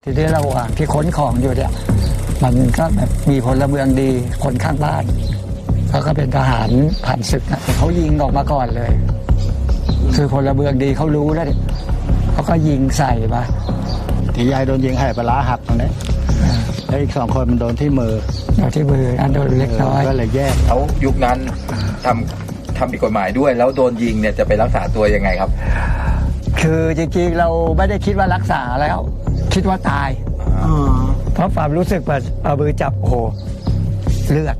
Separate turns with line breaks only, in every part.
ทีนี้ระหว่างที่ขนของอยู่เนี่ยมันก็แบบมีพลเมืองดีคนข้างบ้านเขาก็เป็นทหารผ่านศึกนะเขายิงออกมาก่อนเลยคือพลเมืองดีเขารู้แล้วเนี่ยเขาก็ยิงใส่มา
ตียายโดนยิงให้ปลาร้าหักตรงนี้แล้วอีก2 คนมันโดนที่มือ
ที่มืออันโดนเล็กน้อย
ก็เลยแยก
แล้วยุคนั้นทำผิดกฎหมายด้วยแล้วโดนยิงเนี่ยจะไปรักษาตัวยังไงครับ
คือจริงๆเราไม่ได้คิดว่ารักษาแล้วคิดว่าตายเพราะความรู้สึกว่าเอามือจับโอ้โหเลือด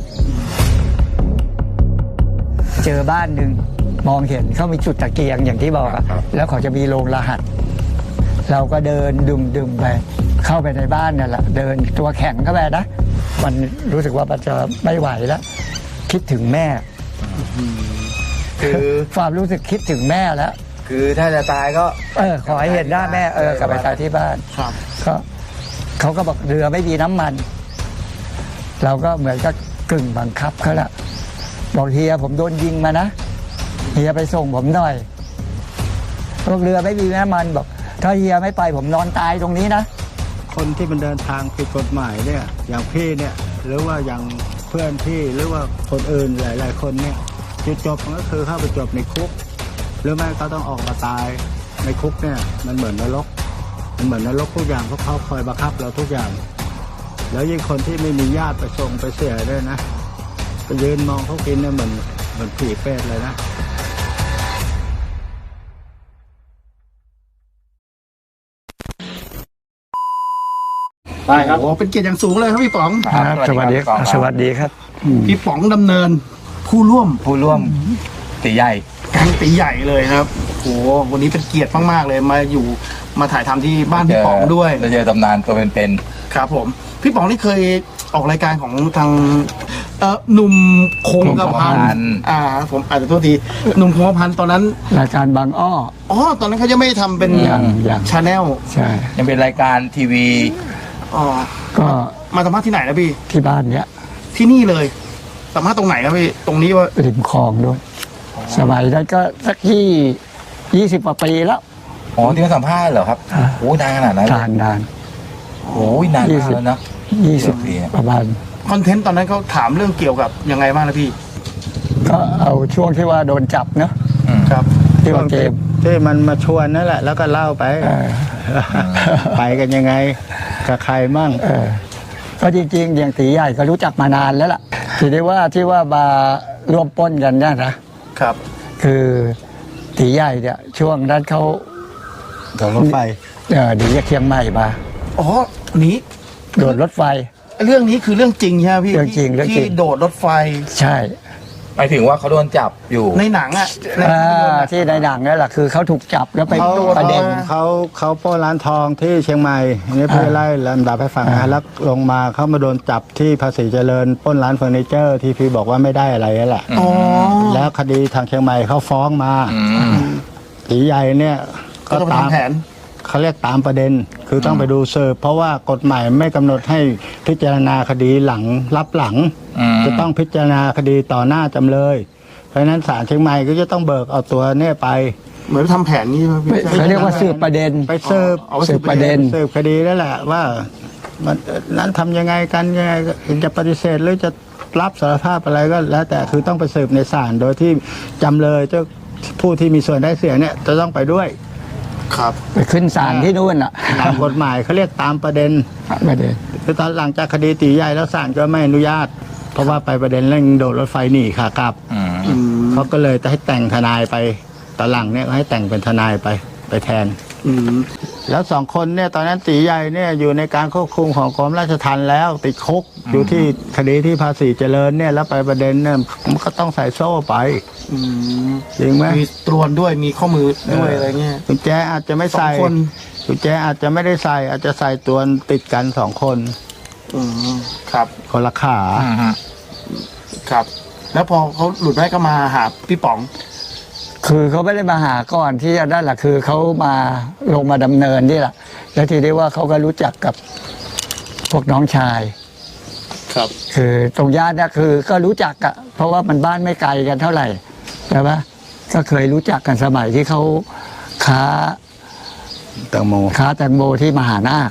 เจอบ้านหนึ่งมองเห็นเขามีจุดตะเกียงอย่างที่บอกอะแล้วเขาจะมีโรงรหัสเราก็เดินดึมไปเข้าไปในบ้านนั่นแหละเดินตัวแข็งเข้าไปนะมันรู้สึกว่ามันจะไม่ไหวแล้วคิดถึงแม่คือความรู้สึกคิดถึงแม่แล้ว
คือถ้าจะตายก็
ขอให้เห็นหน้าแม่กลับไปตายที่บ้านก็เขาก็บอกเรือไม่มีน้ำมันเราก็เหมือนกับกึ่งบังคับเขาละบอกเฮียผมโดนยิงมานะเฮียไปส่งผมหน่อยบอกเรือไม่มีน้ำมันบอกถ้าเฮียไม่ไปผมนอนตายตรงนี้นะ
คนที่มันเดินทางผิดกฎหมายเนี่ยอย่างพี่เนี่ยหรือว่าอย่างเพื่อนพี่หรือว่าคนอื่นหลายๆคนเนี่ยจุดจบมันก็คือเข้าไปจบในคุกหรือไม่ก็ต้องออกมาตายในคุกเนี่ยมันเหมือนนรกทุกอย่างเพราะเขาคอยบังคับเราทุกอย่างแล้วยิ่งคนที่ไม่มีญาติไปส่งไปเสียด้วยนะไปยืนมองเขากินเนี่ยเหมือนผีเปรตเลยนะไปครับโอ้เป็นเกียรติอย่างสูงเลยครับพี่ป๋อง
สวัสดีครับสวัสดีครับ
พี่ป๋องดำเนินผู้ร่วม
ตีใหญ่
แก๊งตีใหญ่เลยครับโอ้วันนี้เป็นเกียรติมากๆเลยมาถ่ายทำที่บ้านพี่ป๋องด้วย
จะเจอตำนานตัวเป็น
ๆครับผมพี่ป๋องนี่เคยออกรายการของทางหนุ่มคงกระพันผมอาจจะโทษทีหนุ่มคงกระพันตอนนั้น
รายการบางอ้อ
ตอนนั้นเขายังไม่ทำเป็นชาแนล
ใช่
ยังเป็นรายการทีวี
ก็มาสัมภาษณ์ที่ไหนนะพี่
ที่บ้านเนี้ย
ที่นี่เลยสัมภาษณ์ตรงไหนครับพี่ตรงนี้ว่า
ริมคลองด้วยสมัยนั้นก็สัก20 กว่าปีแล้ว
ที่เขาสัมภาษณ์เหรอครับโอ้นานขนาดนั้น
นาน
โอ้ยนานแล้วนะ
20 ปีประมาณ
คอนเทนต์ตอนนั้นเขาถามเรื่องเกี่ยวกับยังไงบ้างนะพี่
ก็เอาช่วงที่ว่าโดนจับเนาะ
ครับ
ที่ว่าเกม
ที่มันมาชวนนั่นแหละแล้วก็เล่าไปไปกันยังไงกับใครมั่ง
ก็จริงๆอย่างตีใหญ่ก็รู้จักมานานแล้วล่ะทีนี้ว่าที่ว่ามาร่วมปล้นกันเนี่ยนะครับคือตีใหญ่เนี่ยช่วงนั้นเขา
โดดรถไฟ
หนีจากเชียงใหม่มา
นี้
โดดรถไฟ
เรื่องนี้คือเรื่องจริงใช่ไหมพี่
เรื่องจริง
ที่โดดรถไฟ
ใช่
หมายถึงว่าเขาโดนจับอยู่
ในหนัง
ที่ในหนังนั่นแหละคือเขาถูกจับแล้วไปประเด็น
เขาปล้นร้านทองที่เชียงใหม่นี่พี่ไล่ลำดับให้ฟังนะแล้วลงมาเขามาโดนจับที่ภาษีเจริญปล้นร้านเฟอร์นิเจอร์ที่พี่บอกว่าไม่ได้อะไรนั่นแหละแล้วคดีทางเชียงใหม่เขาฟ้องมาตีใหญ่เนี่ย
ก็ตามแผน
เขาเรียกตามประเด็นคือต้องไปดูเสิร์ฟเพราะว่ากฎหมายไม่กำหนดให้พิจารณาคดีหลังรับหลังจะต้องพิจารณาคดีต่อหน้าจำเลยเพราะฉะนั้นศาลเชียงใหม่ก็จะต้องเบิกเอาตัวเนี่ยไปเหมือนทำแผนนี่
เขาเรียกว่าสืบประเด็น
ไปสืบประเด็นสืบคดีนั่นแหละว่ามันนั้นทำยังไงกันยังไงจะปฏิเสธหรือจะรับสารภาพอะไรก็แล้วแต่คือต้องไปสืบในศาลโดยที่จำเลยเจ้าผู้ที่มีส่วนได้เสียเนี่ยจะต้องไปด้วยครับ
ไปขึ้นศาลที่นู่นอ่ะ
ตามกฎหมายเขาเรียกตามประเด็นคือตอนหลังจากคดีตีใหญ่แล้วศาลก็ไม่อนุญาตเพราะว่าไปประเด็นเรื่องโดดรถไฟหนีค่ะกลับเขาก็เลยให้แต่งทนายไปตอนหลังเนี่ยให้แต่งเป็นทนายไปแทนแล้ว2 คนเนี่ยตอนนั้นตีใหญ่เนี่ยอยู่ในการควบคุมของกรมราชทัณฑ์แล้วติดคุกอยู่ที่คดีที่ภาษีเจริญเนี่ยแล้วไปประเด็นเนี่ยมันก็ต้องใส่โซ่ไปจริงไหมมีตรวนด้วยมีข้อมือด้วยอะไรเงี้ยกุญแจอาจจะไม่ใส่กุญแจอาจจะไม่ได้ใส่อาจจะใส่ตรวนติดกัน2 คนครับคนละขาครับแล้วพอเขาหลุดได้ก็มาหาพี่ป๋อง
คือเขาไม่ได้มาหาก่อนที่จะได้แหละคือเขามาลงมาดำเนินนี่แหละแล้วทีนี้ว่าเขาก็รู้จักกับพวกน้องชาย
ครับ
คือตรงย่านเนี่ยคือก็รู้จักอะเพราะว่ามันบ้านไม่ไกลกันเท่าไหร่ใช่ปะก็เคยรู้จักกันสมัยที่เขาค้าแตงโมที่มหานาค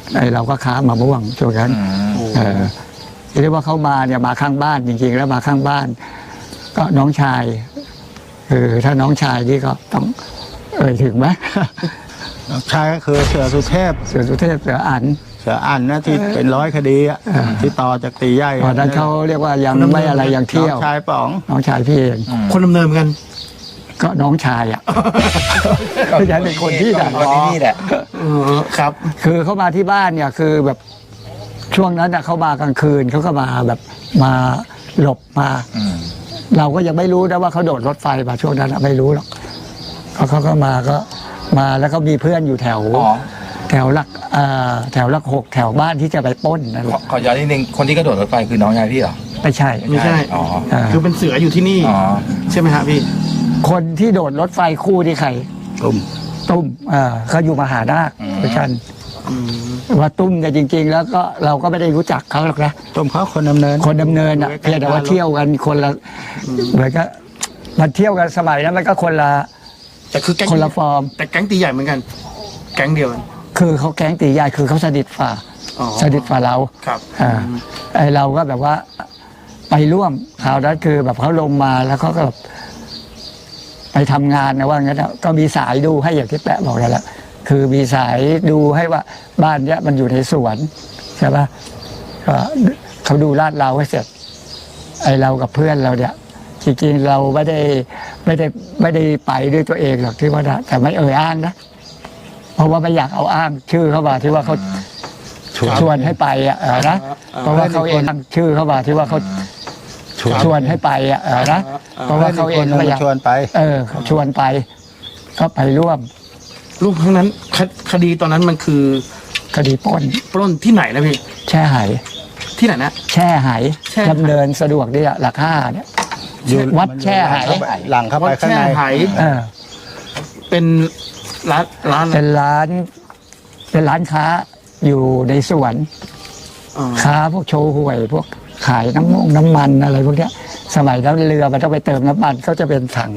เราก็ค้ามะม่วงช่วงนั้นเรียกว่าเขามาเนี่ยมาข้างบ้านจริงๆแล้วมาข้างบ้าน ก็น้องชายถ้าน้องชายนี่ก็ต้องถึงไหม
น้องชายก็คือเสือสุเทพ
เสือสุเทพเสืออั๋น
เสืออั๋นนะที่เป็น100 คดีอะที่ต่อจากตีใหญ่
ตอนนั้นเขาเรียกว่ายังไม่อะไรยังเที่ยว
น้องชายป๋อง
น้องชายพี่เอง
คนดำเนินเหมือนกัน
ก็น้องชายอ่ะ ก็ยังเป็นคนที่ดัง
คนที่นี่แหละ
ครับ
คือเขามาที่บ้านเนี่ยคือแบบช่วงนั้นเขามากลางคืนเขาก็มาแบบมาหลบมา เราก็ยังไม่รู้นะว่าเขาโดดรถไฟมาช่วงนั้นไม่รู้หรอกเขาก็มาแล้วก็มีเพื่อนอยู่แถว
อ๋อ
แถวหลัก6แถวบ้านที่จะไปปล้นนั่นแหละ
ขอย้อนนิดนึงคนที่กระโดดรถไฟคือน้องชายพี่เหรอ
ไม่ใช่
ไม่ใช่
อ๋อ
คือเป็นเสืออยู่ที่นี่
อ๋อ
ใช่ไหมฮะพี่
คนที่โดดรถไฟคู่ที่ใคร ตุ้มเขาอยู่มหานาคด้วยกันว่าตุ้มเนี่ยจริง ๆ แล้วก็เราก็ไม่ได้รู้จักเขาหรอกนะ
ต้มเขาคนดำเนิน
คนดำเนินอ่ะเพียงแต่ว่าเที่ยวกันคนละเหมือนก็มันเที่ยวกันสมัยนั้นมันก็คนละ
แต่คือแก๊ง
คนละฟอร์ม
แต่แก๊งตีใหญ่เหมือนกัน แก๊งเดียวกัน
คือเขาแก๊งตีใหญ่คือเขาสนิทฝ่า
อ๋อ
สนิทฝ่าเรา
ครับ
ไอเราก็แบบว่าไปร่วมคราวนั้นคือแบบเขาลงมาแล้วเขาก็แบบไปทำงานนะว่างั้นนะก็มีสายดูให้อย่างที่แปะบอกนั่นแหละคือมีสายดูให้ว่าบ้านเนี้ยมันอยู่ในสวนใช่ปะก็เขาดูลาดเราให้เสร็จ ไอเรากับเพื่อนเราเนี่ยจริงๆเราไม่ได้ไปด้วยตัวเองหรอกที่ว่านะแต่ไม่อ้างนะเพราะว่าไม่อยากเอาอ้างชื่อเข้ามาที่ว่าเขาชวนให้ไปนะเพราะว่าเขาเองตั้งชื่อเข้ามาที่ว่าเขาชวนให้ไปนะเพราะว่าเขาเองไม่อยาก
ชวนไป
เขาชวนไป ก็ไปร่วม
รูปครั้งนั้นคดีตอนนั้นมันคือ
คดีปล้น
ปล้นที่ไหนนะพี่
แช่ไห
ที่ไหนนะ
แช่ไห
แช่ไห
ดำเนินสะดวกดีหลัก5เนี่ยวัดแช่ไห
หลังเข้าไป
วัด
ข้าง
แช่
ใน
ไห เป็นร้าน
เป็นร้านค้าอยู่ในสวน
อ๋อ
ค้าพวกโชว์หวยพวกขายน้ำมันอะไรพวกเนี้ยสมัยนั้นเรือมันต้องไปเติมน้ำมันก็จะเป็นถัง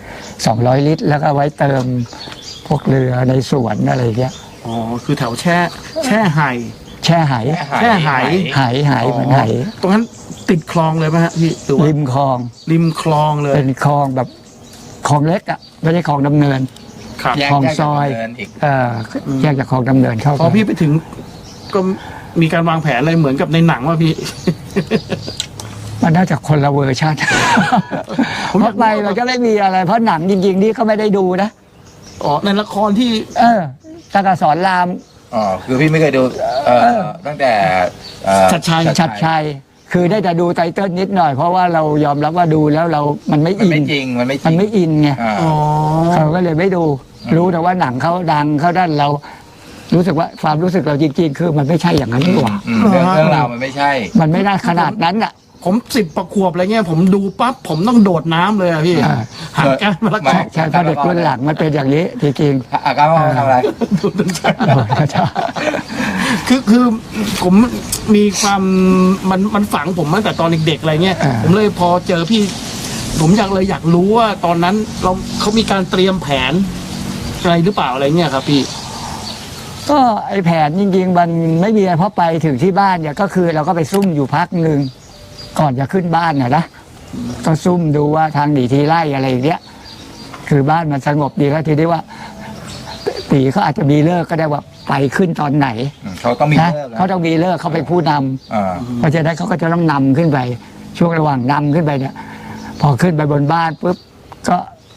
200 ลิตร แล้วก็ไว้เติมพวกเรือในสวนอะไรเงี้ย
อ๋อคือแถวแช่ไห
แช่ไห
แช่ไห
ไหเหมือนไห
ตรงนั้นติดคลองเลยไหมฮะพี่หรือว่า
ริมคลอง
ริมคลองเลย
เป็นคลองแบบคลองเล็กอ่ะไม่ใช่คลองดำเนิน
ครับ
แยก
คลองซอย
จากดำเนินอีก
แยกจากคลองดำเนินเข้า
พอ
ไป
พี่ไปถึงก็มีการวางแผนอะไรเหมือนกับในหนังว่าพี่
มันน่าจะคนละเวอร์ชันเพราะไปมันก็ไม่มีอะไร เพราะหนังจริงๆนี่เขาไม่ได้ดูนะ
อ๋อในละครที่
ตากสอนราม
อ๋อคือพี่ไม่เคยดูตั้งแต่
ชัดชัย
ชัดชัยคือได้แต่ดูไตเติ้ลนิดหน่อยเพราะว่าเรายอมรับว่าดูแล้วมันไม่
มัน
อิน
ไม่จริงมันไม่จริง
มันไม่อินไง
อ๋อ
เขาก็เลยไม่ดู รู้แต่ว่าหนังเขาดังเขาด้านเรา รู้สึกว่าความรู้สึกเราจริงๆ คือมันไม่ใช่อย่างนั้นดีกว่า
เรื่องราวมันไม่ใช่
มันไม่ได้ขนาดนั้นอ่ะ
ผม10 ประขวบอะไรเงี้ยผมดูปั๊บผมต้องโดดน้ำเลยอะพี่
อ่า
หางก้านมะละกอ
ใช่เพราะเด็กรุ่นหลังมันเป็นอย่างนี้จริง
อาการว่าทำอะไร
ดูดใช่
ๆ
คือผมมีความมันฝังผมตั้งแต่ตอนเด็กๆอะไรเงี้ย
อ่า
ผมเลยพอเจอพี่ ผมอยากรู้ว่าตอนนั้นเขามีการเตรียมแผนอะไรหรือเปล่าอะไรเงี้ยครับพี่
ก็ไอแผนจริงๆมันไม่มีอะไรเพราะไปถึงที่บ้านเนี่ยก็คือเราก็ไปซุ่มอยู่พักหนึ่งก่อนจะขึ้นบ้านนะก็ซุ่มดูว่าทางหนีทีไล่อะไรอย่างเงี้ยคือบ้านมันสงบดีแล้วทีนี้ว่าตีเขาอาจจะมีเลิกก็ได้ว่าไปขึ้นตอนไหน
เขาต้องมี
นะ
เลิกแล้ว
เขาต้องมีเลิกเขาเป็นผู้นำเพราะฉะนั้นเขาก็จะต้องนำขึ้นไป ช่วงระหว่างนำขึ้นไปเนี่ย พอขึ้นไปบนบ้านปุ๊บก็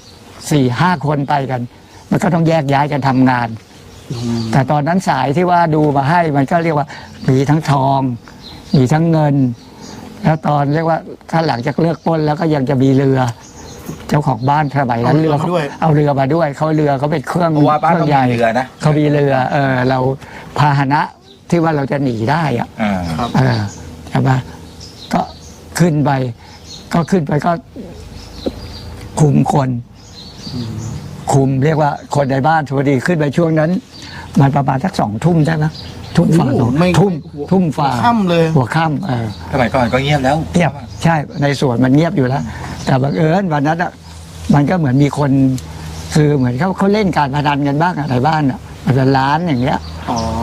4-5 คนไปกัน มันก็ต้องแยกย้ายกันทำงาน แต่ตอนนั้นสายที่ว่าดูมาให้มันก็เรียกว่ามีทั้งทอง มีทั้งเงิน แล้วตอนเรียกว่าถ้าหลังจากเลิกปล้นแล้วก็ยังจะมีเรือ เจ้าของบ้านสมัยนั้นเรือเขาเอาเรือมาด้วยเขาเรือเขาเป็นเครื่อง
เพราะว่าบ้าน
เครื่
ต้อง
ใหญ่
มีเรือนะ
เขามีเรือเราพาหนะที่ว่าเราจะหนีได้อะ ใช่ปะก็ขึ้นไปก็คุมคนคุมเรียกว่าคนในบ้านสวัสดีขึ้นไปช่วงนั้น มันประมาณสัก2 ทุ่มใช่ไหมทุ่มฝ่า
โอ้โหไม่
ทุ่มฝ่า
ค่ำเลย
หัวค่ำ
สมัยก่อนก็เงียบแล้ว
เงียบใช่ในสวนมันเงียบอยู่แล้ว แต่บังเอิญวันนั้นอ่ะมันก็เหมือนมีคนคือเหมือนเขาเล่นการพนันกันบ้างอะในบ้านอ่ะมันเป็นร้านอย่างเงี้ย
อ๋อ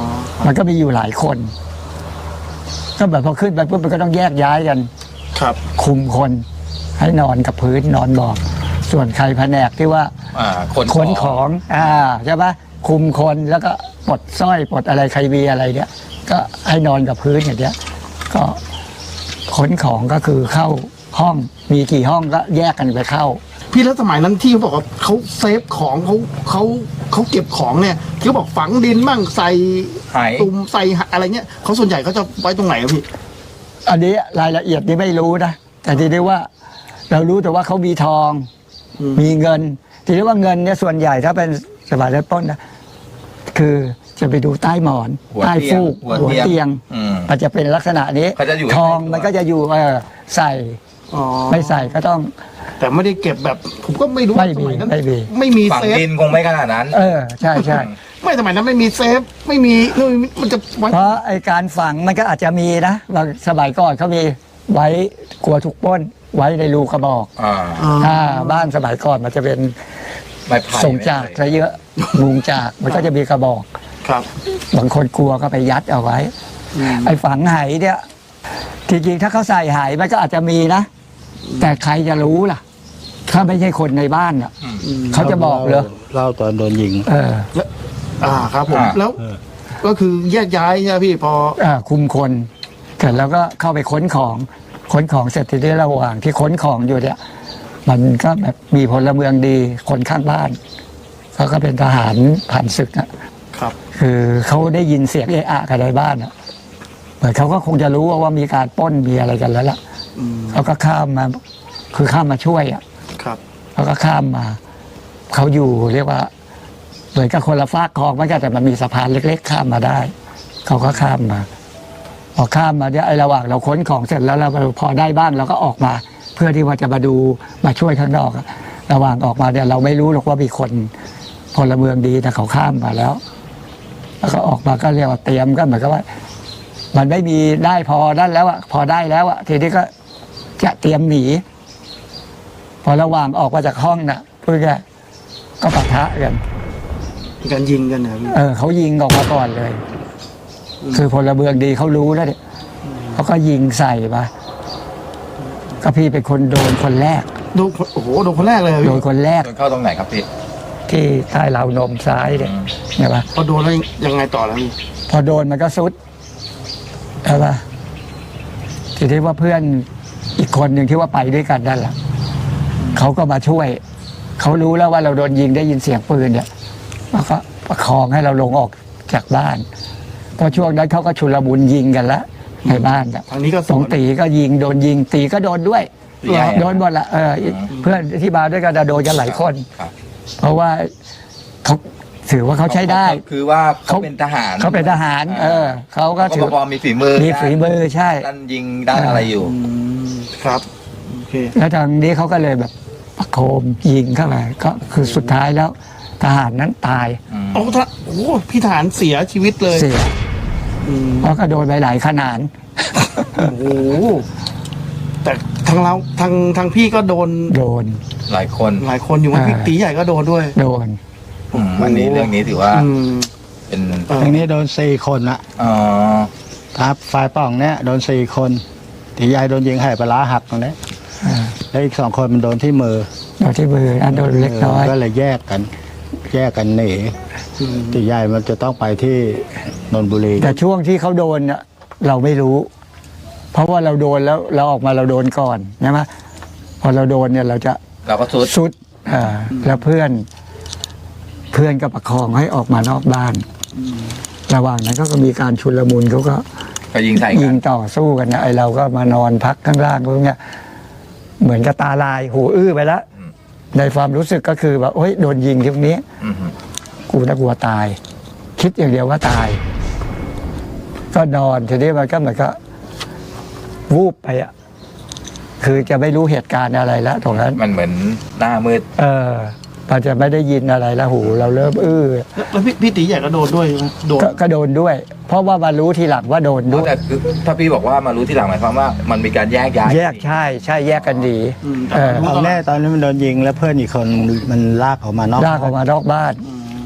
มันก็มีอยู่หลายคน ก็แบบพอขึ้นไปปุ๊บมันก็ต้องแยกย้ายกัน
ครับ
คุมคนให้นอนกับพื้นนอนบอกส่วนใครแผนกที่ว่า ขนของใช่ปะคุมคนแล้วก็ปลดสร้อยปลดอะไรใครมีอะไรเนี่ยก็ให้นอนกับพื้นอย่างเงี้ยก็ขนของก็คือเข้าห้องมีกี่ห้องก็แยกกันไปเข้า
พี่แล้วสมัยนั้นที่เขาบอกว่าเขาเซฟของเขาเก็บของเนี่ยที่เขาบอกฝังดินบ้างใส่
หาย
ตุ่มใส่อะไรเงี้ยเขาส่วนใหญ่เขาจะไว้ตรงไหนครับพี่
อันนี้รายละเอียดนี่ไม่รู้นะแต่ทีนี้ว่าเรารู้แต่ว่าเขามีทองมีเงินทีนี้ว่าเงินเนี่ยส่วนใหญ่ถ้าเป็นสมัยเริ่มต้นนะคือจะไปดูใต้หมอนใต้ฟูกหัวเตียงมันจะเป็นลักษณะนี้ทองมันก็จะอยู่ใส่ไม่ใส่ก็ต้อง
แต่ไม่ได้เก็บแบบผมก็ไม่รู้
ไม่
ส
มี
มัยนั้น
ไม่มี
ไม่มี
ฝัง
เซฟ
ดินคงไม่ขนาดนั้น
ใช่ใช่
ไม่สมัยนั้นไม่มีเซฟไม่มีมันจะไว้
เพราะไอการฝังมันก็อาจจะมีนะบางสมัยก่อนเขามีไว้กลัวถูกปล้นไว้ในรูกระบอกบ้านสมัยก่อนมันจะเป็น
ไม้ไผ่
ส่งจากซะเยอะมุงจากมันก็จะมีกระบอก
ครับ
บางคนกลัวก็ไปยัดเอาไว้ ไอ้ฝังไหเนี่ยจริงๆถ้าเขาใส่ไหมันก็อาจจะมีนะ แต่ใครจะรู้ล่ะ ถ้าไม่ใช่คนในบ้านอ่ะเขาจะบอกเลย
เล่าตอนโดนยิง
ครับผมแล้วก็คือแยกย้ายใช่ไหมพี่พอ
คุมคนเสร็จแล้วก็เข้าไปค้นของเสร็จทีนี้ระหว่างที่ค้นของอยู่เนี่ย มันก็แบบมีพลเมืองดีคนข้างบ้านเขาก็เป็นทหารผ่านศึกนะครับ คือเขาได้ยินเสียงเอะอะกันในบ้านอ่ะเหมือนเขาก็คงจะรู้ว่ามีการปล้นมีอะไรกันแล้วล่ะเขาก็ข้ามมาคือข้ามมาช่วยอ่ะ
ครับ
เขาก็ข้ามมาเขาอยู่เรียกว่าเหมือนกับคนละฟากคลองมันก็แต่มันมีสะพานเล็กๆข้ามมาได้เขาก็ข้ามมาพอข้ามมาเนี่ยไอ้ระหว่างเราค้นของเสร็จแล้วเราพอได้บ้างเราก็ออกมา เพื่อที่ว่าจะมาดูมาช่วยข้างนอกอะระหว่างออกมาเนี่ยเราไม่รู้หรอกว่ามีคนพลเมืองดีแต่เขาข้ามมาแล้วก็ออกมาก็เรียกว่าเตรียมก็เหมือนกับว่า มันไม่มีได้พอได้แล้วอะพอได้แล้วอะทีนี้ก็จะเตรียมหนีพอระหว่างออกมาจากห้องน่ะพูดง่ายๆก็ปะทะกัน
มีการยิงกันนะพี่
เขายิงออกมาก่อนเลย คือพลเมืองดีเขารู้แล้วเนี่ยเขาก็ยิงใส่มาก็พี่เป็นคนโดนคนแรก
โดนโอ้โหโดนคนแรกเลย
โดนคนแรก
โดนเข้าตรงไหนครับพี่
ที่ใต้ราวนมซ้ายเนี่ยใช่ปะ
พอโดนแล้วยังไงต่อแล้วพี่
พอโดนมันก็ซุดใช่ปะทีนี้ว่าเพื่อนอีกคนหนึ่งที่ว่าไปด้วยกันนั่นแหละเขาก็มาช่วยเขารู้แล้วว่าเราโดนยิงได้ยินเสียงปืนเนี่ยแล้วก็ประคองให้เราลงออกจากบ้านเพราะช่วงนั้นเขาก็ชุลมุนยิงกันแล้วในบ้านเนี่ย
ทางนี้ก็
สองตีก็ยิงโดนยิงตีก็โดนด้วย
ตีใหญ่
โดนหมดละเพื่อนที่มาด้วยกันโดนกันหลายคน
ครับ
เพราะว่าเขาถือว่าเขาใช้ได้
คือว่าเขาเป็นทหาร
เขาเป็นทหารเขาก็
เขา
ถื
ก็
อ
พอมีฝีมือ
มีฝีมือใช่
ด้านยิงด้านอะไรอยู่
ครับโอเค
แล้วทางนี้เขาก็เลยแบบประโคมยิงเข้าไปก็คือสุดท้ายแล้ว ทหารนั้นตาย
โอ้โหพี่ทหารเสียชีวิตเลย
เสียเพราะก็โดนไปหลายขนาด
โอ้โหแต่ทางเราทางพี่ก็โดน
โดน
หลายคน
หลายคนอยู่ว่าพี่ตีใหญ่ก็โดนด้วย
โดน
อันนี้เรื่องนี้ถือว่า
อืม
เป็น
ทางนี้โดน4 คนละ
อ๋อ
ครับฝ่ายป่องเนี่ยโดน4 คนตีใหญ่โดนยิงให้ปลาร้าหักตรงนี้แล้วอีก2 คนมันโดนที่มือ
โดนที่มืออันโดนเล็กน้อย
ก็เลยแยกกันหนีตีใหญ่มันจะต้องไปที่นนทบุรี
แต่ช่วงที่เขาโดนน่ะเราไม่รู้ เพราะว่าเราโดนแล้วเราออกมาเราโดนก่อนใช่ไหมพอเราโดนเนี่ยเราจะ
เราก็สุด
สุดแล้วเพื่อนก็ประคองให้ออกมานอกบ้าน ระหว่างนั้นก็มีการชุลมุนเขาก็
ก็ยิงใส่
ยิ
กั
ง
น
ต่อสู้กันนะไอเราก็มานอนพักข้างล่างพวกเนี้ยเหมือนกับตาลายหูอื้อไปแล้วในความรู้สึกก็คือว่าโอ๊ยโดนยิงทีนี้
อือฮึ
กูน่ากลัวตาย คิดอย่างเดียวว่าตาย ก็นอนทีนี้มันก็เหมือนก็วูบไปอ่ะคือจะไม่รู้เหตุการณ์อะไรแล้วตรงนั้น
มันเหมือนหน้ามืด
มันจะไม่ได้ยินอะไรแล้วหูเราเริ่มอื้อ
แล้วพี่ตีใหญ่ก็โดนด้วยใช่ไหมโดน
ก็โดนด้วย เพราะว่ามารู้ทีหลังว่าโดนด้วย
แต่คือถ้าพี่บอกว่ามารู้ทีหลังหมายความว่ามันมีการแยกย้าย
แยกใช่แยกกันดี
แต่รู้
ตอนแรกตอนนี้มันโดนยิงแล้วเพื่อนอีกคนมันลากออกมานอก
ลากออกมานอกบ้าน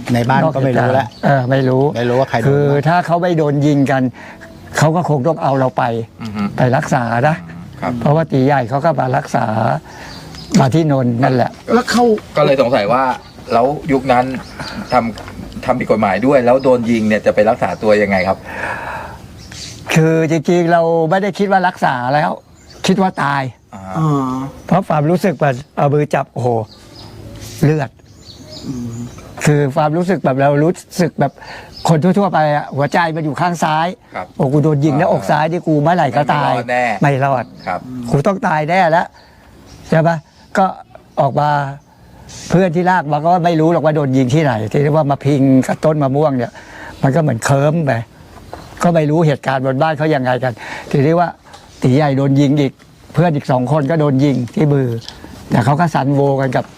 ในบ้านก็ไม่รู้แล้ว
ไม่รู้
ไม่รู้ว่าใครโดน
คือ
บ้าง
ถ้าเขาไม่โดนยิงกันเขาก็คงต้องเอาเราไป
อือฮึ
ไปรักษานะครับ เพราะว่าตีใหญ่เขาก็มารักษามาที่นนท์นั่นแหละ
แล้วเขา
ก็เลยสงสัยว่าแล้วยุคนั้นทำผิดกฎหมายด้วย แล้วโดนยิงเนี่ยจะไปรักษาตัวยังไงครับ
คือจริงๆเราไม่ได้คิดว่ารักษาแล้ว คิดว่าตาย
อ่า
อ่า
เพราะความรู้สึกแบบเอามือจับโอ้โหเลือด คือความรู้สึกแบบเรารู้สึกแบบคนทั่วๆไปอะหัวใจมันอยู่ข้างซ้าย
ครับ
โอ้กูโดนยิงแล้วอกซ้ายที่กูเมื่อไหร่ก็ตาย
ไม่รอดแน่
ไม่รอด
ครับ
กูต้องตายแน่แล้วใช่ปะก็ออกมาเพื่อนที่ลากมาก็ไม่รู้หรอกว่าโดนยิงที่ไหน ที่เรียกว่ามาพิงกับต้นมะม่วงเนี่ย มันก็เหมือนเคิร์มไปก็ไม่รู้เหตุการณ์บนบ้านเขายังไงกันทีนี้ว่าตีใหญ่โดนยิงอีก เพื่อนอีก2 คนก็โดนยิงที่มือ แต่เขาก็สันโวกันกับ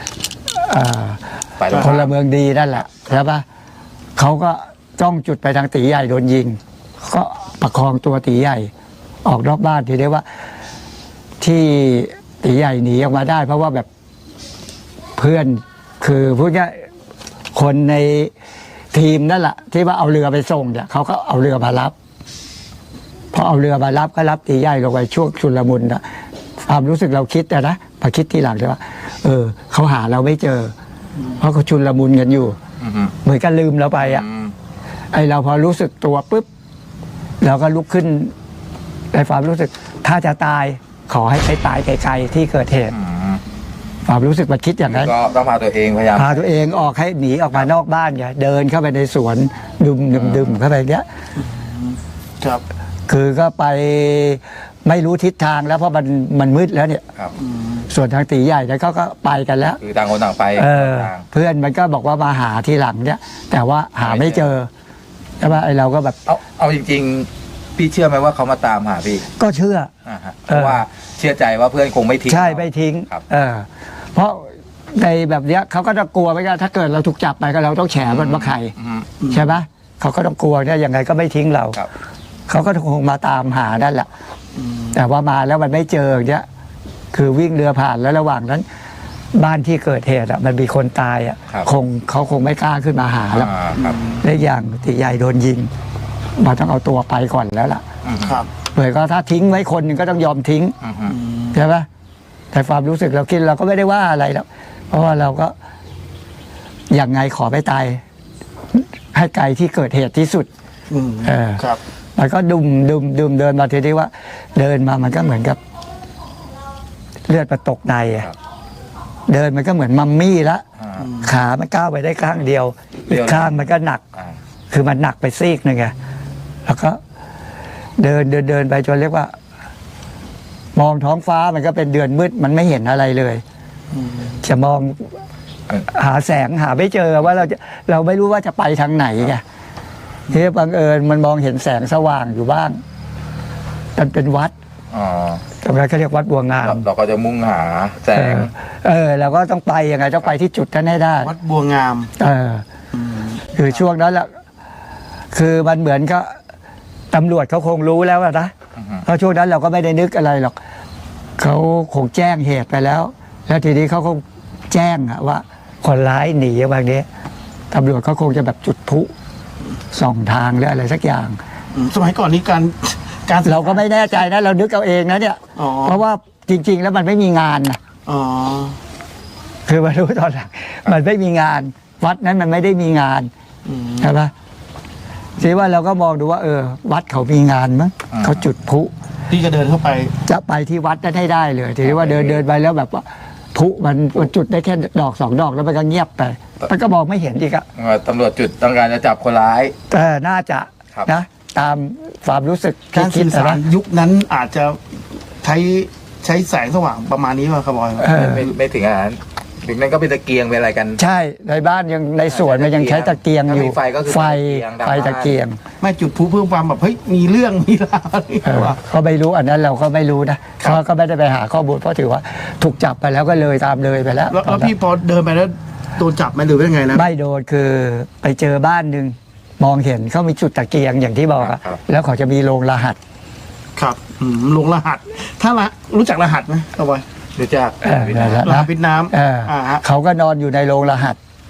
ฝ่ายตรง
พ
ข้าม
ลเมืองดีนั่นแหละใช่ปะเขาก็จ้องจุดไปทางตีใหญ่โดนยิง ก็ประคองตัวตีใหญ่ ออกนอกบ้านทีเรียกว่า ที่ตีใหญ่หนีออกมาได้ เพราะว่าแบบเพื่อนคือพูดง่ายคนในทีมนั่นแหละที่ว่าเอาเรือไปส่งเนี่ยเขาก็เอาเรือมารับพอเอาเรือมารับก็รับตีใหญ่ลงไปช่วงชุลมุนนะความรู้สึกเราคิดนะพอคิดทีหลังเลยว่าเขาหาเราไม่เจอ เพราะเขาชุลมุนกันอยู่
อือฮึ
เหมือนกันลืมเราไปอ่ะ
อืม
ไอเราพอรู้สึกตัวปุ๊บเราก็ลุกขึ้นในความรู้สึก ถ้าจะตายขอให้ไปตายไกลๆที่เกิดเหตุ
อืม
ความรู้สึกมันคิดอย่างนั้น
ก็ต้องพาตัวเองพยายาม
พาตัวเองออกให้หนีออกมานอกบ้านไงเดินเข้าไปในสวนดึมเข้าไปเนี้ย
ครับ
คือก็ไปไม่รู้ทิศทางแล้วเพราะมันมืดแล้วเนี่ย
ครับ
ส่วนทางตีใหญ่เนี่ยเขาก็ไปกันแล้ว
คือต่างคนต่างไป
เ
ทาง
เพื่อนมันก็บอกว่ามาหาทีหลังเนี่ย แต่ว่าหาไม่เจอใช่ไหมไอเราก็แบบ
เอาจริงๆ พี่เชื่อไหมว่าเขามาตามหาพี่
ก็เชื่อ
อ่าฮะเพราะว่าเชื่อใจว่าเพื่อนคงไม่ทิ้ง
ใช่
เรา
ไม่ทิ้ง
ครับ
เพราะในแบบเนี้ยเขาก็จะกลัวไว้กันถ้าเกิดเราถูกจับไปก็เราต้องแฉมันว่าใคร
อืม
ใช่ไหมเขาก็ต้องกลัวเนี่ยยังไงก็ไม่ทิ้งเรา
ครับ
เขาก็คงมาตามหานั่นแหละแต่ว่ามาแล้วมันไม่เจออย่างเงี้ยคือวิ่งเรือผ่านแล้วระหว่างนั้น บ้านที่เกิดเหตุอ่ะมันมีคนตายอ่ะ
ครับ
เขาคงไม่กล้าขึ้นมาหาแล้ว
ครับ
และอย่างตีใหญ่โดนยิงมันต้องเอาตัวไปก่อนแล้วล่ะ
อืม
ครับ
เผื่อก็ถ้าทิ้งไว้คนหนึ่งก็ต้องยอมทิ้ง
อืมอืม
ใช่ไหมแต่ความรู้สึกเราคิดเราก็ไม่ได้ว่าอะไรหรอกเพราะว่าเราก็อย่างไงขอไปตายให้ไกลที่เกิดเหตุที่สุด
อืม
เออ
ครับ
มันก็ดุมเดินมาทีนี้ว่า เดินมามันก็เหมือนกับ เลือดมาตกในอะเดินมันก็เหมือนมัมมี่ละ
อ่า
ขามันก้าวไปได้ข้างเดียว
เดี
อี
ยว
กข้างมันก็หนัก
อ่า
คือมันหนักไปซีกหนึ่งไงแล้วก็เดินไปจนเรียกว่า มองท้องฟ้ามันก็เป็นเดือนมืดมันไม่เห็นอะไรเลยจะมองหาแสงหาไม่เจอว่าเราไม่รู้ว่าจะไปทางไหนไงทีนี้บังเอิญมันมองเห็นแสงสว่างอยู่บ้างมันเป็นวัด
อ๋อ
ตรงนั้นเขาเรียกวัดบัวงาม
เราก็จะมุ่งหาแสง
เราก็ต้องไปยังไงต้องไปที่จุดนั้นให้ได้
วัดบัวงาม
คือช่วงนั้นแหละคือมันเหมือนก็ตำรวจเขาคงรู้แล้วอะนะ
อือฮึ
เพราะช่วงนั้นเราก็ไม่ได้นึกอะไรหรอกเขาคงแจ้งเหตุไปแล้ว แล้วทีนี้เขาคงแจ้งอะว่า คนร้ายหนีบางนี้ตำรวจเขาคงจะแบบจุดพลุส่องทางหรืออะไรสักอย่าง
สมัยก่อนนี้การ
เราก็ไม่แน่ใจนะเรานึกเอาเองนะเนี่ย
อ๋อ
เพราะว่าจริง ๆ แล้วมันไม่มีงานนะ
อ๋อ
คือมารู้ตอนหลังมันไม่มีงาน วัดนั้นมันไม่ได้มีงาน
อืม
ใช่ปะทีว่าเราก็มองดูว่าวัดเขามีงานมั้งเขาจุดพลุ
พี่ก็เดินเข้าไป
จะไปที่วัดนั้นให้ได้เลยทีนี้ว่าเดินไปแล้วแบบว่าพลุมันจุดได้แค่ดอก2 ดอกแล้วมันก็เงียบไปมันก็มองไม่เห็นอีกอะ
ตำรวจจุดต้องการจะจับคนร้าย
แต่น่าจะ
ครับ
นะตามความรู้สึก
การ
คิด
สื่อสาร
นะ
ยุคนั้นอาจจะใช้แสงสว่างประมาณนี้ป่ะครับบอย
ไม่ถึงขนาดนั้นถึงนั้นก็เป็นตะเกียงเป็นอะไรกัน
ใช่ในบ้านยังในสวนมันยังใช้ตะเกียงอยู่
ถ้ามีไฟก็คือ
ไฟ
ตะเกียง
ไฟตะเกียง
ไม่จุดพลุเพื่อความแบบเฮ้ยมีเรื่องมีราวอะไรอย่างเงี้ยว่ะ
เขาไม่รู้อันนั้นเราก็ไม่รู้นะเขาก็ไม่ได้ไปหาข้อมูลเพราะถือว่าถูกจับไปแล้วก็เลยตามเลยไปแล้ว
แล้วพี่พอเดินไปแล้วโดนจับไหมหรือว่ายังไงนะ
ไม่โดนคือไปเจอบ้านหนึ่งมองเห็นเขามีจุดตะเกียงอย่างที่บอกอะ
ครับ
แล้วเขาจะมีโรงรหัส
ครับลงรหัส ถ้ารู้จักรหัสไหมครับบอย
รู้จัก
นั่นแหละ
รหั
นะ
สพิษน้ำฮะ
เขาก็นอนอยู่ในโรงรหัส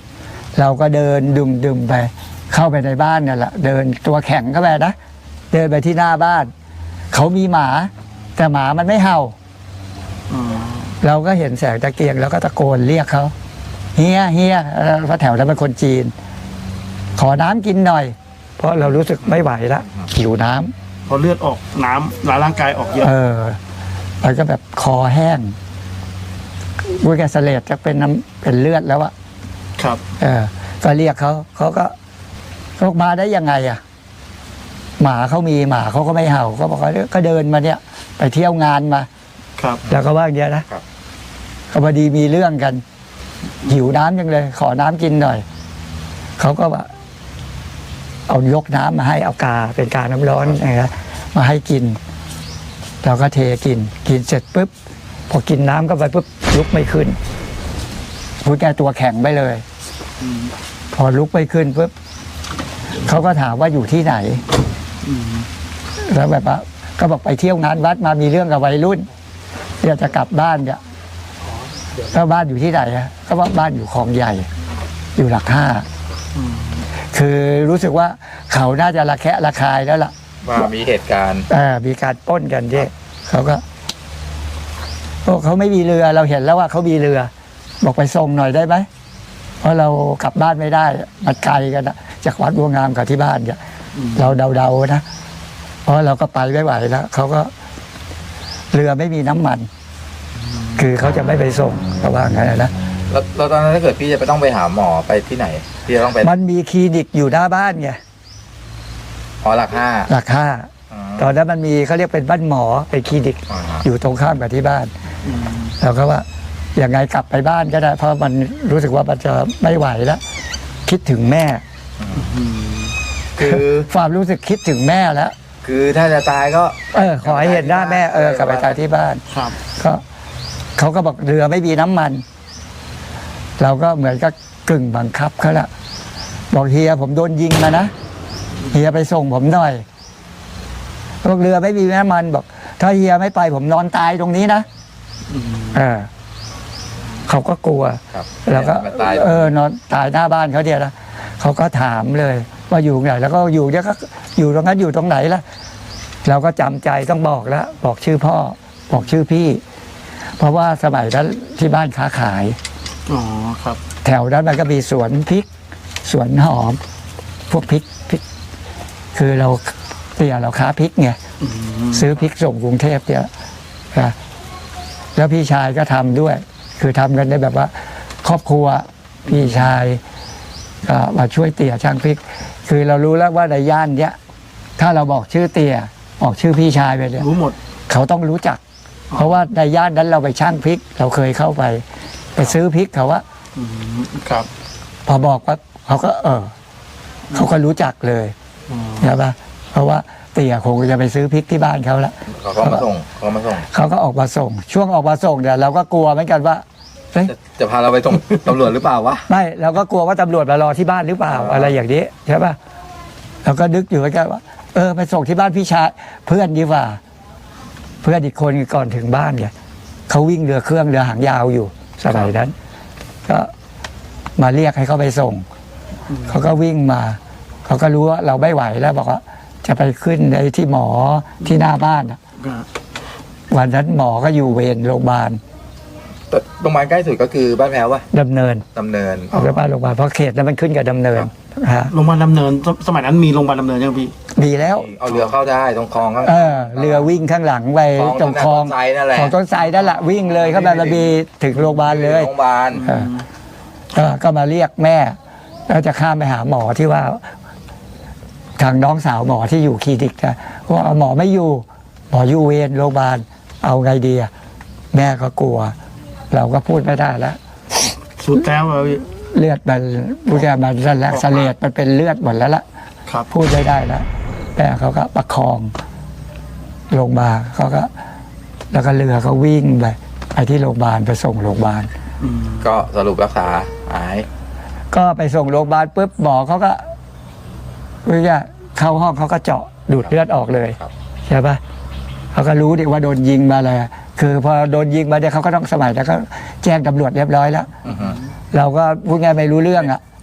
เราก็เดินดุมไป เข้าไปในบ้านเนี่ยแหละเดินตัวแข็งเข้าไปนะเดินไปที่หน้าบ้าน เขามีหมา แต่หมามันไม่เห่า เราก็เห็นแสงตะเกียงแล้วก็ตะโกนเรียกเขาเฮียเพราะแถวนั้นเป็นคนจีน ขอน้ำกินหน่อย เพราะเรารู้สึกไม่ไหวแล้วหิวน้ำ
พอเลือดออกน้ำร่างกายออกเยอะ
มันก็แบบคอแห้งบุ้ยแกเสลดจะเป็นน้ำเป็นเลือดแล้วอะ
ครับ
ก็เรียกเขาก็มาได้ยังไงอะหมาเขามีหมาเขาก็ไม่เห่าก็บอกว่าก็เดินมาเนี่ย ไปเที่ยวงานมา
ครับ
แล้วก็ว่าอย่างเงี้ยนะก็พอดีมีเรื่องกัน หิวน้ำจังเลย ขอน้ำกินหน่อยเขาก็ว่าเอายกน้ำมาให้เอากาเป็นกาน้ำร้อนนะมาให้กินเราก็เทกินเสร็จปุ๊บพอกินน้ำก็ไปปุ๊บลุกไม่ขึ้นพูดแกตัวแข็งไปเลยพอลุกไม่ขึ้นปุ๊บเขาก็ถามว่าอยู่ที่ไหนแล้วแบบว่าก็บอกไปเที่ยวงานวัดมามีเรื่องกับวัยรุ่นเดี๋ยวจะกลับบ้านเนี่ยก็บ้านอยู่ที่ไหนอะก็ว่าบ้านอยู่คลองใหญ่ อยู่หลักห้าคือรู้สึกว่าเขาน่าจะระแคะระคายแล้วล่ะ
ว่ามีเหตุการณ์
มีการปล้นกันที่เขาก็เขาไม่มีเรือเราเห็นแล้วว่าเขามีเรือ บอกไปส่งหน่อยได้ไหมเพราะเรากลับบ้านไม่ได้มันไกลกันนะจากวัดบัวงามกับที่บ้านเนี่ยเราเดาๆนะเพราะเราก็ไปไม่ไหวแล้วเขาก็เรือไม่มีน้ำมัน คือเขาจะไม่ไปส่งเขาว่างั้นนะ
แล้วตอนนั้นถ้าเกิดพี่จะไปต้องไปหาหมอไปที่ไหนพี่จะต้องไป
มันมีคลินิกอยู่หน้าบ้านไง
หลักห้า
ตอนนั้นมันมีเขาเรียกเป็นบ้านหมอเป็นคลินิกอยู่ตรงข้ามกับที่บ้านเราก็ว่าอย่างไงกลับไปบ้านก็ได้เพราะมันรู้สึกว่ามันจะไม่ไหวแล้วคิดถึงแม่
คือ
ความรู้สึกคิดถึงแม่แล้ว
คือถ้าจะตายก็
ขอให้เห็นหน้าแม่กลับไปตายที่บ้าน
ครับ
ก็เขาก็บอกเรือไม่มีน้ำมัน เราก็เหมือนกับกึ่งบังคับเขาละบอกเฮียผมโดนยิงมานะเฮียไปส่งผมหน่อยบอกเรือไม่มีน้ำมันบอกถ้าเฮียไม่ไปผมนอนตายตรงนี้นะเขาก็กลัวแล้วก็นอนตายหน้าบ้านเขาเดียวนะเขาก็ถามเลยว่าอยู่ไหนแล้วก็อยู่เนี่ยก็อยู่ตรงนั้นอยู่ตรงไหนล่ะเราก็จำใจต้องบอกแล้วบอกชื่อพ่อบอกชื่อพี่เพราะว่าสมัยนั้นที่บ้านค้าขาย
ครับ
แถวนั้นมันก็มีสวนพริกสวนหอมพวกพริกคือเราค้าพริกไงซื้อพริกส่งกรุงเทพเนี่ยแล้วพี่ชายก็ทำด้วยคือทำกันได้แบบว่าครอบครัวพี่ชายก็มาช่วยเตี่ยช่างพริกคือเรารู้แล้วว่าในย่านเนี้ยถ้าเราบอกชื่อเตี่ยบอกชื่อพี่ชายไปเนี่ย
รู้หมด
เขาต้องรู้จักเพราะว่าในย่านนั้นเราไปช่างพริกเราเคยเข้าไปซื้อพริกเขาว่า
ครับ
พอบอกว่าเขาก็เขาก็รู้จักเลยใช่ปะเพราะว่าเตี่ยคงจะไปซื้อพริกที่บ้านเขาละ
เขาก็มาส่ง
เขาก็ออกมาส่งช่วงออกมาส่งเนี่ยเราก็กลัวเหมือนกันว่า
จะพาเราไปส่งตำรวจหรือเปล่าวะ
ไม่เราก็กลัวว่าตำรวจมารอที่บ้านหรือเปล่าอะไรอย่างนี้ใช่ปะเราก็นึกอยู่เหมือนกันว่าไปส่งที่บ้านพี่ชายเพื่อนดีกว่าเพื่อนอีกคนก่อนถึงบ้านเนี่ยเขาวิ่งเรือเครื่องเรือหางยาวอยู่สมัยนั้นก็มาเรียกให้เขาไปส่งเขาก็วิ่งมาเขาก็รู้ว่าเราไม่ไหวแล้วบอกว่าจะไปขึ้นในที่หมอที่หน้าบ้านวันนั้นหมอก็อยู่เวรโรงพยาบาล
โรงพยาบาลใกล้สุดก็คือบ้านแพ้ววะ
ดำเนิน
เอา
ไปบ้านโรงพยาบาลเพราะเขตนั้นมันขึ้นกับดำเนิน
โรงพยาบาลดำเนินสมัยนั้นมีโรงพยาบาลดำเนินยังพี่
มีแล้ว
เอาเรือเข้าได้ตรงคลองข้าง
เรือวิ่งข้างหลังไปตรงคลองของต้นไทรนั่นแหละวิ่งเลยเข้าไประบีถึงโรงพยาบาลเลย
โรงพยาบาล
ก็มาเรียกแม่แล้วจะข้ามไปหาหมอที่ว่าทางน้องสาวหมอที่อยู่คลินิกนะว่าหมอไม่อยู่หมออยู่เวรโรงพยาบาลเอาไงดีแม่ก็กลัวเราก็พูดไม่ได้แล้ว
สุดแล้ว
เลือดมันพูดแค่มันสั่นแล้วเสลดมันเป็นเลือดหมดแล้วล่ะพูดไม่ได้แล้วแม่เขาก็ประคองลงมาเขาก็แล้วก็เรือเขาวิ่งไปที่โรงพยาบาลไปส่งโรงพยาบาล
ก็สรุปรักษาหาย
ก็ไปส่งโรงพยาบาลปุ๊บหมอเขาก็เข้าห้องเขาก็เจาะดูดเลือดออกเลยใช่ปะเขาก็รู้ดิว่าโดนยิงมาเลยคือพอโดนยิงมาเนี่ยเขาก็ต้องสมัยแล้วก็แจ้งตำรวจเรียบร้อยแล้วเราก็พูดง่ายไม่รู้เรื่อง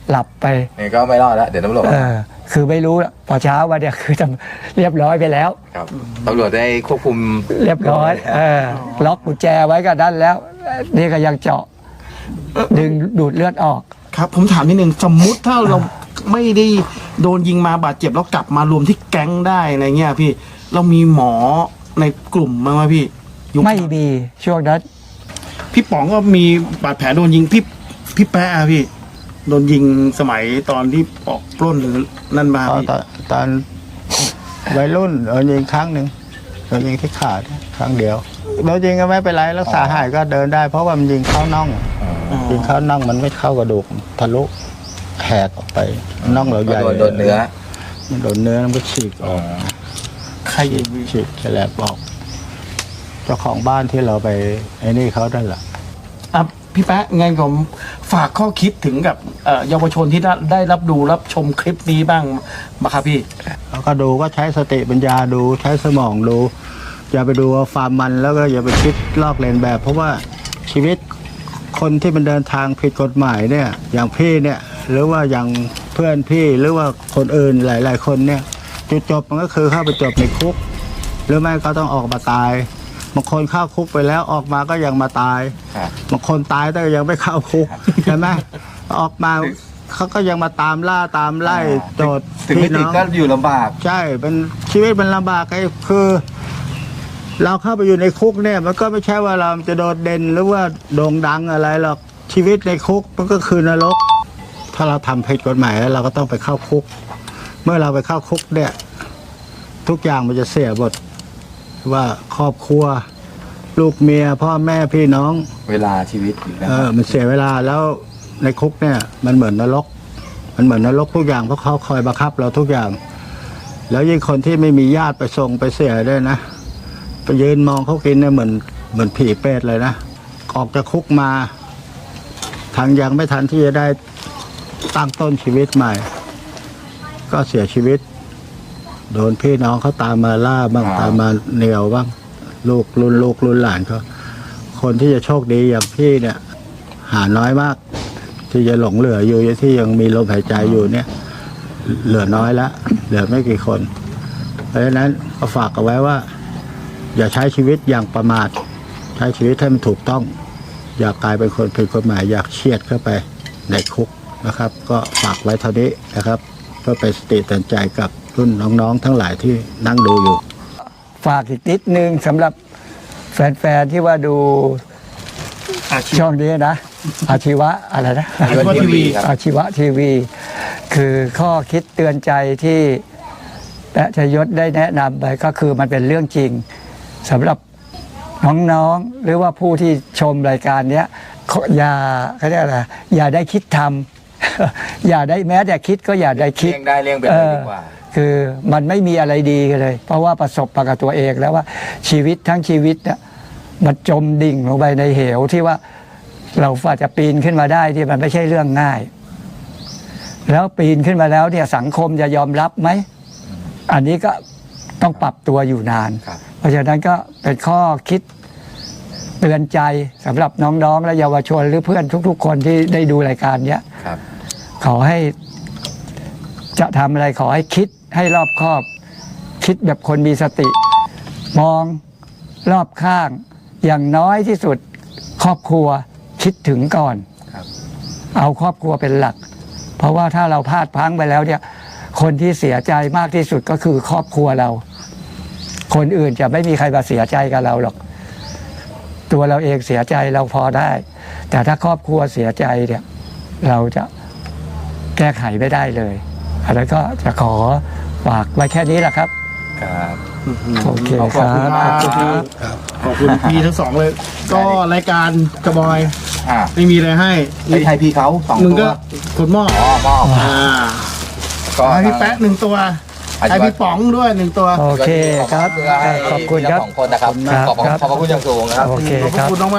หลับไป
นี่ก็ไม่รอดแล้วเดี๋ยวตำรวจ
คือไม่รู้อะพอเช้าวันเนี่ยคือเรียบร้อยไปแล้ว
ครับตำรวจได้ควบคุม
เรียบร้อยล็อกกุญแจไว้ก็ด้านแล้ว นี่ก็ยังเจาะดึงดูดเลือดออก
ครับผมถามนิดนึงสมมุติถ้าเราไม่ได้โดนยิงมาบาดเจ็บแล้วกลับมารวมที่แก๊งได้อะไรเงี้ยพี่เรามีหมอในกลุ่มมั้างไหมพี่ยุค
ไม่มีช่วงนั้น
พี่ป๋องก็มีบาดแผลโดนยิงพี่แป๊ะอะพี่โดนยิงสมัยตอนที่ออกปล้นหรือนั่นมาพี่
ตอนวัยรุ่นโดนยิงครั้งหนึ่งโดนยิงที่ขาครั้งเดียวโดนยิงก็ไม่เป็นไรรักษาหายก็เดินได้ เพราะว่ามันยิงเข้าน่องยิงเข้าน่องมันไม่เข้ากระดูกทะลุแหกออกไปน่องเราใหญ่
โดนเนื้อ
มันโดนเนื้อมันก็ฉีกออก
ใครยิงพี่
ฉีกแฉลบออกเจ้าของบ้านที่เราไปไอ้นี่เขานั่นแหละ
อ่ะพี่แป๊ะไงผมฝากข้อคิดถึงกับเยาวชนที่ได้รับดูรับชมคลิปนี้บ้างมาครับพี่
แล้วก็ดูก็ใช้สติปัญญาดูใช้สมองดู อย่าไปดูว่าฟาร์มมันแล้วก็อย่าไปคิดลอกเลียนแบบ เพราะว่าชีวิตคนที่มันเดินทางผิดกฎหมายเนี่ย อย่างพี่เนี่ยหรือว่าอย่างเพื่อนพี่หรือว่าคนอื่นหลาย ๆ คนเนี่ยจุดจบมันก็คือเข้าไปจบในคุก หรือไม่ก็ต้องออกมาตายบางคนเข้าคุกไปแล้วออกมาก็ยังมาตาย
ครับ
บางคนตายแต่ยังไม่เข้าคุก ใช่ไหมออกมาเขาก็ยังมาตามล่าตามไล่โจทย์
ถึงไม่ติดก็อยู่ลำบาก
ใช่เป็นชีวิตมันลำบากไอ้คือ เราเข้าไปอยู่ในคุกเนี่ยมันก็ไม่ใช่ว่าเราจะโดดเด่นหรือว่าโด่งดังอะไรหรอกชีวิตในคุกมันก็คือนรก ถ้าเราทำผิดกฎหมายแล้วเราก็ต้องไปเข้าคุก เมื่อเราไปเข้าคุกเนี่ย ทุกอย่างมันจะเสียหมดว่าครอบครัว ลูกเมียพ่อแม่พี่น้อง
เวลาชีวิตอยู่นะ
มันเสียเวลาแล้วในคุกเนี่ย มันเหมือนนรก มันเหมือนนรกทุกอย่างเพราะเขาคอยบังคับเราทุกอย่าง แล้วยิ่งคนที่ไม่มีญาติไปส่งไปเสียด้วยนะไปยืนมองเขากินเนี่ยเหมือนผีเปรตเลยนะออกจากคุกมาทางยังไม่ทันที่จะได้ตั้งต้นชีวิตใหม่ ก็เสียชีวิต โดนพี่น้องเขาตามมาล่าบ้างตามมาเหนียวบ้างลูกรุ่นหลานเขาคนที่จะโชคดีอย่างพี่เนี่ย หาน้อยมาก ที่จะหลงเหลืออยู่ที่ยังมีลมหายใจอยู่เนี่ย เหลือน้อยแล้วเหลือไม่กี่คน เพราะฉะนั้นก็ฝากเอาไว้ว่า อย่าใช้ชีวิตอย่างประมาทใช้ชีวิตให้มันถูกต้อง อย่ากลายเป็นคนผิดกฎหมายอยากเชียดเข้าไปในคุกนะครับ ก็ฝากไว้เท่านี้นะครับ เพื่อเป็นสติเตือนใจกับรุ่นน้องๆทั้งหลายที่นั่งดูอยู่
ฝากอีกนิดนึงสำหรับแฟนๆที่ว่าดู
อาชีพ
ช่องนี้นะ อาชีวะอะไรนะ
อาชีวะทีวี
อาชีวะทีวี คือข้อคิดเตือนใจที่แปะชยศได้แนะนำไปก็คือมันเป็นเรื่องจริงสำหรับน้องๆหรือว่าผู้ที่ชมรายการเนี้ยอย่าเขาเรียกอะไรอย่าได้คิดทำ อย่าได้แม้แต่คิดก็อย่าได้คิด
เลี่ยงได้เลี่ยงไปเลยดีกว่า
คือมันไม่มีอะไรดีเลย เพราะว่าประสบประกับตัวเองแล้วว่าชีวิตทั้งชีวิตเนี่ยมันจมดิ่งลงไปในเหวที่ว่าเราฝ่าจะปีนขึ้นมาได้ที่มันไม่ใช่เรื่องง่าย แล้วปีนขึ้นมาแล้วเนี่ยสังคมจะยอมรับไหมอันนี้ก็ต้องปรับตัวอยู่นาน
ครับ
เพราะฉะนั้นก็เป็นข้อคิดเตือนใจสำหรับน้องๆและเยาวชนหรือเพื่อนทุกๆ คนที่ได้ดูรายการเนี้ย
ครับ
ขอให้จะทำอะไรขอให้คิดให้รอบคอบ คิดแบบคนมีสติ มองรอบข้าง อย่างน้อยที่สุดครอบครัวคิดถึงก่อน
ครับ
เอาครอบครัวเป็นหลัก เพราะว่าถ้าเราพลาดพลั้งไปแล้วเนี่ย คนที่เสียใจมากที่สุดก็คือครอบครัวเรา คนอื่นจะไม่มีใครมาเสียใจกับเราหรอก ตัวเราเองเสียใจเราพอได้ แต่ถ้าครอบครัวเสียใจเนี่ย เราจะแก้ไขไม่ได้เลยอันนั้นก็จะขอฝากไว้แค่นี้แหละครับ
ครับ
โอเค
ขอบ
ครั
คุณ
บ
มาก
ขอบคุณพี่ทั้งสองเลย ก็รายการกระบอย
อ่า
ไม่มีอะไรให้
ไอ้ไทยพี่เขาสอง
มึง
ตัว
ก็กดหม้อ
อ๋อมอบ ก็
ให้พี่แป๊ะหนึ่งตัว ให้พี่ป๋องด้วยหนึ่งตัว
โอเคครับ
เพื่อให้
ขอบคุณครับ
ทั้งสองคนนะครับ
ครับ
ขอบพระคุณอย่างสูงนะครับ
โอเค
ขอบพ
ค
ระ
รับ
คุณมาก